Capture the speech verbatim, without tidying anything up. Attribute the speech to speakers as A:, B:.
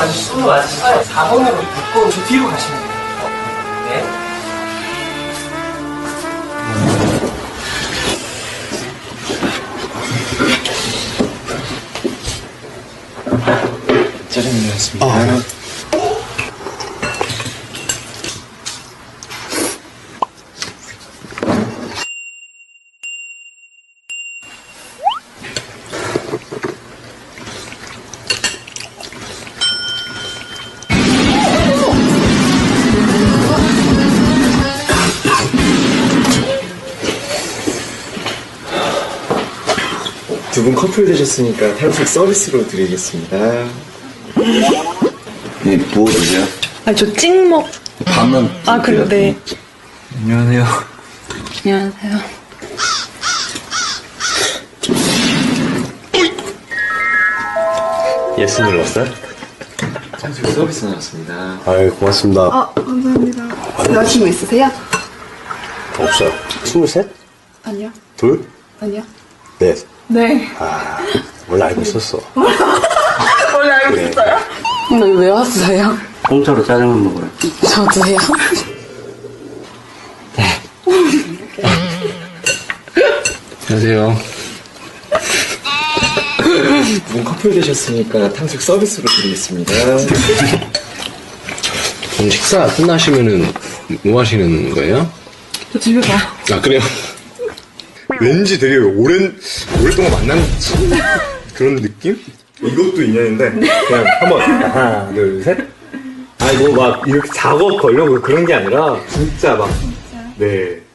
A: 맞으시죠? 손으로 맞으시죠? 사 번으로 묶고 저 뒤로 가시면 돼요. 네.
B: 짜장면이었습니다.
C: 아.
B: 두 분 커플 되셨으니까 탕수육 서비스로 드리겠습니다.
C: 네, 뭐 드세요?
D: 아니 저 찍먹.
C: 밥만.
D: 아 그래 네.
C: 안녕하세요.
D: 안녕하세요.
E: 예스 눌렀어요?
B: 탕수육 서비스 나왔습니다.
E: 아유 고맙습니다.
F: 아, 감사합니다. 여자친구 있으세요?
E: 없어요. 스물셋?
F: 아니요.
E: 둘?
F: 아니요.
E: 넷.
F: 네.
E: 아 원래 알고 있었어.
F: 원래 알고
E: 그래.
F: 있어요?
D: 오늘 왜 왔어요?
E: 공짜로 짜장면 먹으러.
D: 저도요.
E: 안녕하세요.
B: 두 분 커플 되셨으니까 탕수육 서비스로 드리겠습니다.
E: 그럼 식사 끝나시면은 뭐 하시는 거예요?
F: 저 집에 가.
E: 아 그래요? 왠지 되게 오랜 오랫동안 만난 그런 느낌? 이것도 인연인데 그냥 한번 하나 둘 셋. 아니 뭐 막 이렇게 작업 걸려고 그런 게 아니라 진짜 막 네.